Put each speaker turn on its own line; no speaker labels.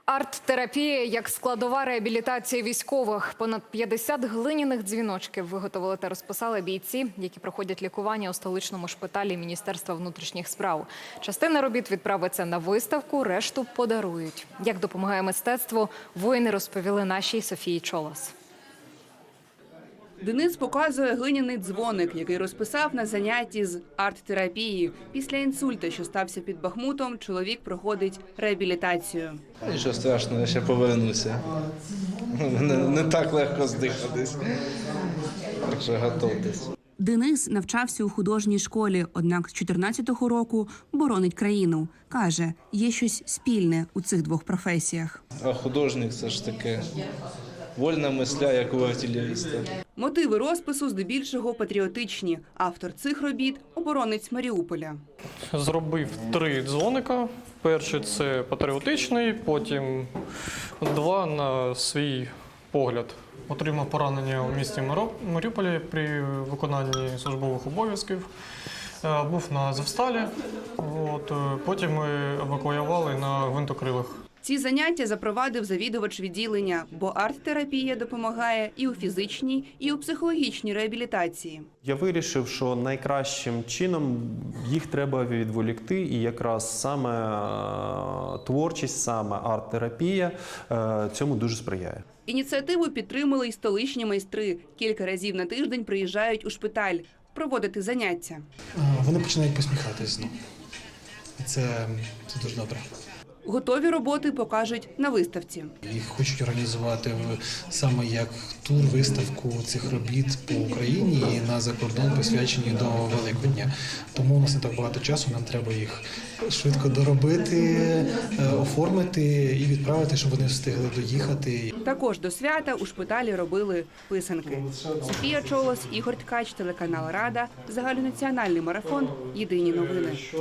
Арт-терапія як складова реабілітації військових. Понад 50 глиняних дзвіночків виготовили та розписали бійці, які проходять лікування у столичному шпиталі Міністерства внутрішніх справ. Частина робіт відправиться на виставку, решту подарують. Як допомагає мистецтво, воїни розповіли нашій Софії Чолос.
Денис показує глиняний дзвоник, який розписав на занятті з арт-терапії. Після інсульту, що стався під Бахмутом, чоловік проходить реабілітацію.
Нічого страшного, я ще повернуся. Не так легко здихатись. Так що готуйтесь.
Денис навчався у художній школі, однак з 14-го року боронить країну. Каже, є щось спільне у цих двох професіях.
А художник – це ж таке вольна мисля, як у артилеріста.
Мотиви розпису здебільшого патріотичні. Автор цих робіт – оборонець Маріуполя.
Зробив 3 дзвоника. Перший – це патріотичний, потім 2 на свій погляд. Отримав поранення у місті Маріуполі при виконанні службових обов'язків. Був на Азовсталі, потім ми евакуювали на гвинтокрилах.
Ці заняття запровадив завідувач відділення, бо арт-терапія допомагає і у фізичній, і у психологічній реабілітації.
Я вирішив, що найкращим чином їх треба відволікти, і якраз саме творчість, саме арт-терапія цьому дуже сприяє.
Ініціативу підтримали й столичні майстри. Кілька разів на тиждень приїжджають у шпиталь проводити заняття.
Вони починають посміхатись знову. І це дуже добре.
Готові роботи покажуть на виставці.
Їх хочуть організувати саме як тур-виставку цих робіт по Україні і на закордон, присвячені до Великодня. Тому у нас не так багато часу, нам треба їх швидко доробити, оформити і відправити, щоб вони встигли доїхати.
Також до свята у шпиталі робили писанки. Софія Чолос, Ігор Ткач, телеканал Рада, загальнонаціональний марафон. Єдині новини.